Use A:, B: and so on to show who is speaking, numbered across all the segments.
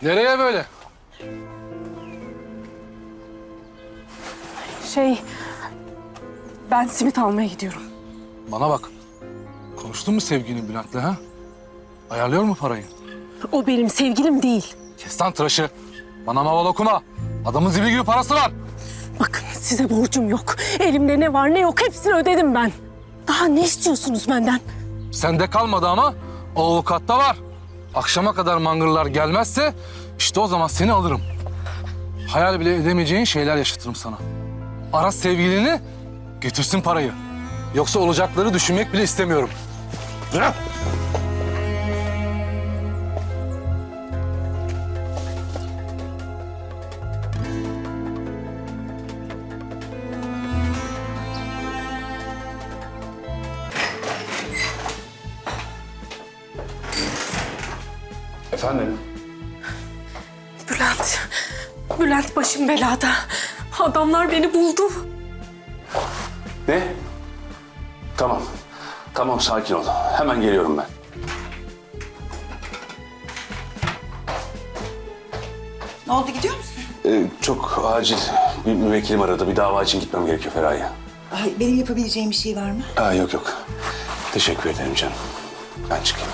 A: Nereye böyle?
B: Ben simit almaya gidiyorum.
A: Bana bak. Konuştun mu sevgilin Bülent'le ha? Ayarlıyor mu parayı?
B: O benim sevgilim değil.
A: Kes lan tıraşı. Bana maval okuma. Adamın zibi gibi parası var.
B: Bakın size borcum yok. Elimde ne var ne yok hepsini ödedim ben. Daha ne istiyorsunuz benden?
A: Sende kalmadı ama o avukatta var. Akşama kadar mangırlar gelmezse işte o zaman seni alırım. Hayal bile edemeyeceğin şeyler yaşatırım sana. Ara sevgilini, getirsin parayı. Yoksa olacakları düşünmek bile istemiyorum. Bırak!
C: Efendim?
B: Bülent başım belada. Adamlar beni buldu.
C: Ne? Tamam. Tamam, sakin ol. Hemen geliyorum ben.
D: Ne oldu, gidiyor musun?
C: Çok acil bir müvekkilim aradı. Bir dava için gitmem gerekiyor Feraye.
D: Ay, benim yapabileceğim bir şey var mı?
C: Yok yok. Teşekkür ederim canım. Ben çıkayım.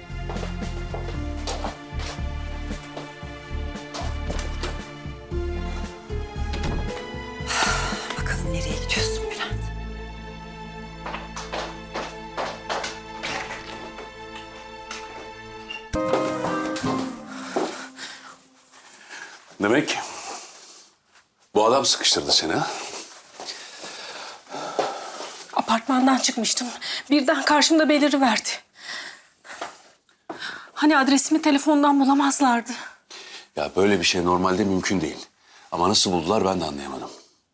D: Bakalım nereye gidiyorsun Bülent?
C: Demek bu adam sıkıştırdı seni ha?
B: Apartmandan çıkmıştım. Birden karşımda beliriverdi. Hani adresimi telefondan bulamazlardı.
C: Ya böyle bir şey normalde mümkün değil. Ama nasıl buldular ben de anlayamadım.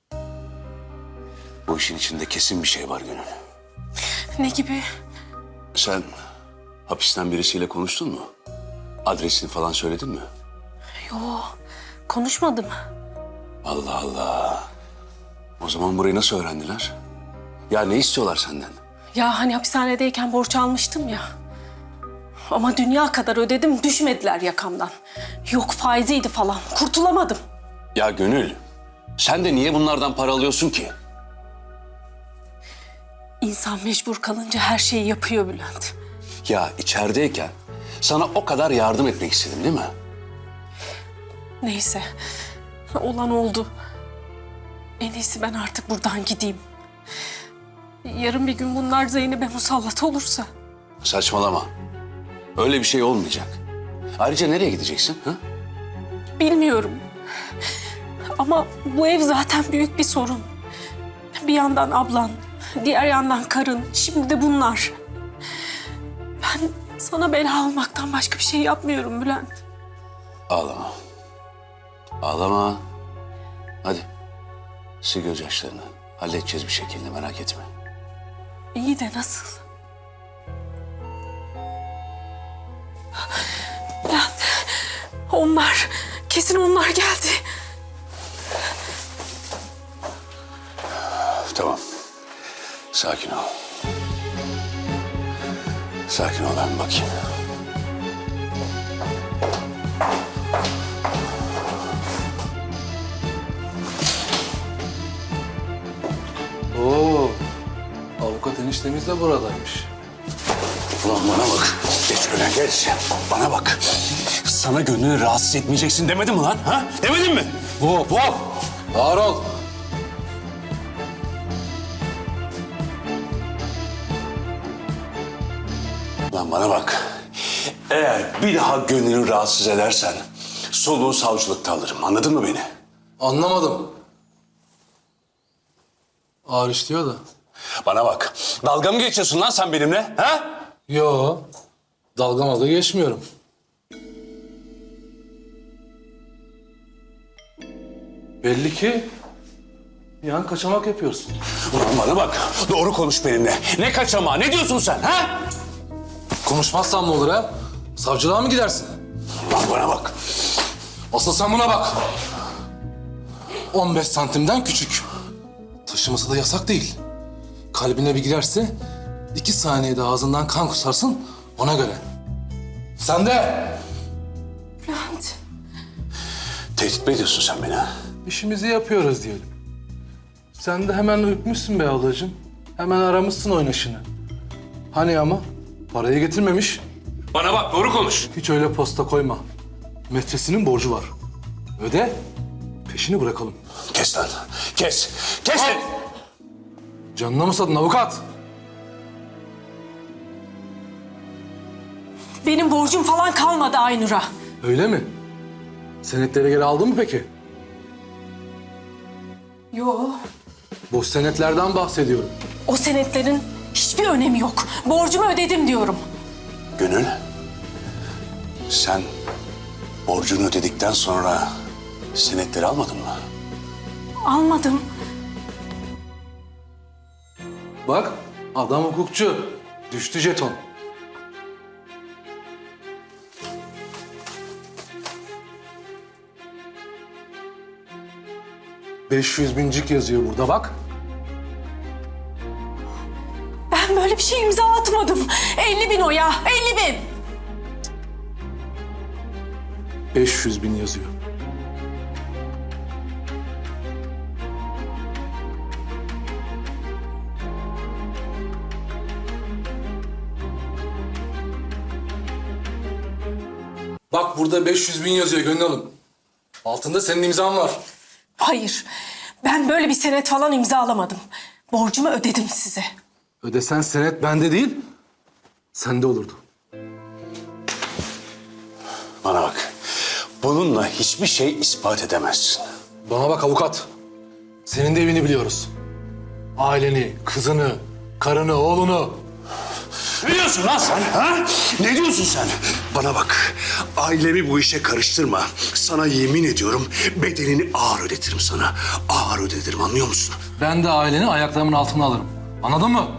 C: Bu işin içinde kesin bir şey var Gönül.
B: Ne gibi?
C: Sen hapisten birisiyle konuştun mu? Adresini falan söyledin mi?
B: Yo, konuşmadım.
C: Allah Allah. O zaman burayı nasıl öğrendiler? Ya ne istiyorlar senden?
B: Ya hani hapishanedeyken borç almıştım ya. Ama dünya kadar ödedim, düşmediler yakamdan. Yok faiziydi falan, kurtulamadım.
C: Ya Gönül, sen de niye bunlardan para alıyorsun ki?
B: İnsan mecbur kalınca her şeyi yapıyor Bülent.
C: Ya içerideyken sana o kadar yardım etmek istedim değil mi?
B: Neyse, olan oldu. En iyisi ben artık buradan gideyim. Yarın bir gün bunlar Zeynep'e musallat olursa...
C: Saçmalama. Öyle bir şey olmayacak. Ayrıca nereye gideceksin? Ha?
B: Bilmiyorum. Ama bu ev zaten büyük bir sorun. Bir yandan ablan, diğer yandan karın, şimdi de bunlar. Ben sana bela olmaktan başka bir şey yapmıyorum Bülent.
C: Ağlama. Ağlama. Hadi. Sil gözyaşlarını. Halledeceğiz bir şekilde, merak etme.
B: İyi de nasıl? Bülent, onlar, kesin onlar geldi.
C: Tamam. Sakin ol. Sakin ol, ben bakayım.
A: Oo, avukat eniştemiz de buradaymış.
C: Ulan bana bak. Geç öyle geç. Bana bak. Sana Gönül'ü rahatsız etmeyeceksin demedim mi lan? Ha? Demedim mi?
A: Hop hop! Ağır ol.
C: Lan bana bak. Eğer bir daha Gönül'ü rahatsız edersen soluğu savcılıkta alırım. Anladın mı beni?
A: Anlamadım. Ağır işliyor da.
C: Bana bak. Dalga mı geçiyorsun lan sen benimle? Ha?
A: Yo, dalgamalı geçmiyorum. Belli ki yan kaçamak yapıyorsun.
C: Ulan bana bak. Doğru konuş benimle. Ne kaçamağı? Ne diyorsun sen? Ha?
A: Konuşmazsan ne olur ha? Savcılığa mı gidersin?
C: Lan bana bak.
A: Asıl sen buna bak. 15 santimden küçük. Taşıması da yasak değil. Kalbine bir girerse 2 saniyede ağzından kan kusarsın ona göre. Sen de.
B: Bülent,
C: Tehdit mi ediyorsun sen beni ha?
A: İşimizi yapıyoruz diyelim. Sen de hemen ürkmüşsün be ablacığım. Hemen aramışsın oynaşını. Hani ama parayı getirmemiş.
C: Bana bak, doğru konuş.
A: Hiç öyle posta koyma. Metresinin borcu var. Öde, peşini bırakalım.
C: Kes lan, kes. Kes lan!
A: Canına mı sadın avukat?
B: Benim borcum falan kalmadı Aynur'a.
A: Öyle mi? Senetleri geri aldın mı peki?
B: Yo.
A: Boş senetlerden bahsediyorum.
B: O senetlerin hiçbir önemi yok. Borcumu ödedim diyorum.
C: Gönül, sen borcunu ödedikten sonra senetleri almadın mı?
B: Almadım.
A: Bak, adam hukukçu. Düştü jeton. ...500.000'cik yazıyor burada bak.
B: Ben böyle bir şey imza atmadım. 50.000 o ya, 50.000.
A: 500.000 yazıyor. Bak burada 500.000 yazıyor Gönül Hanım. Altında senin imzan var.
B: Hayır, ben böyle bir senet falan imzalamadım. Borcumu ödedim size.
A: Ödesen senet bende değil, sende olurdu.
C: Bana bak, bununla hiçbir şey ispat edemezsin.
A: Bana bak avukat. Senin de evini biliyoruz. Aileni, kızını, karını, oğlunu.
C: Ne diyorsun lan sen? Ha? Ne diyorsun sen? Bana bak, ailemi bu işe karıştırma. Sana yemin ediyorum bedelini ağır ödetirim sana. Ağır ödetirim, anlıyor musun?
A: Ben de aileni ayaklarımın altına alırım. Anladın mı?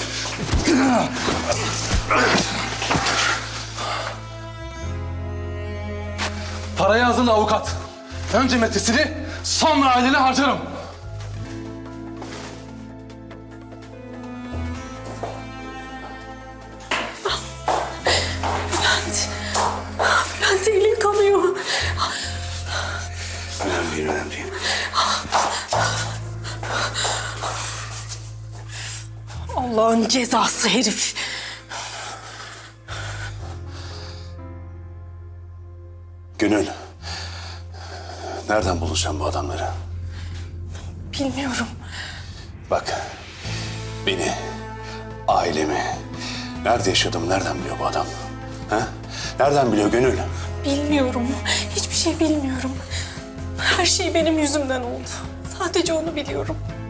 A: Parayı hazırla avukat. Önce metresini, sonra aileni harcarım.
B: Bülent elin kanıyor.
C: Önemli değil, önemli değil.
B: Allah'ın cezası herif.
C: Gönül, nereden bulacağım bu adamları?
B: Bilmiyorum.
C: Bak, beni, ailemi, nerede yaşadığımı nereden biliyor bu adam? Ha? Nereden biliyor Gönül?
B: Bilmiyorum. Hiçbir şey bilmiyorum. Her şey benim yüzümden oldu. Sadece onu biliyorum.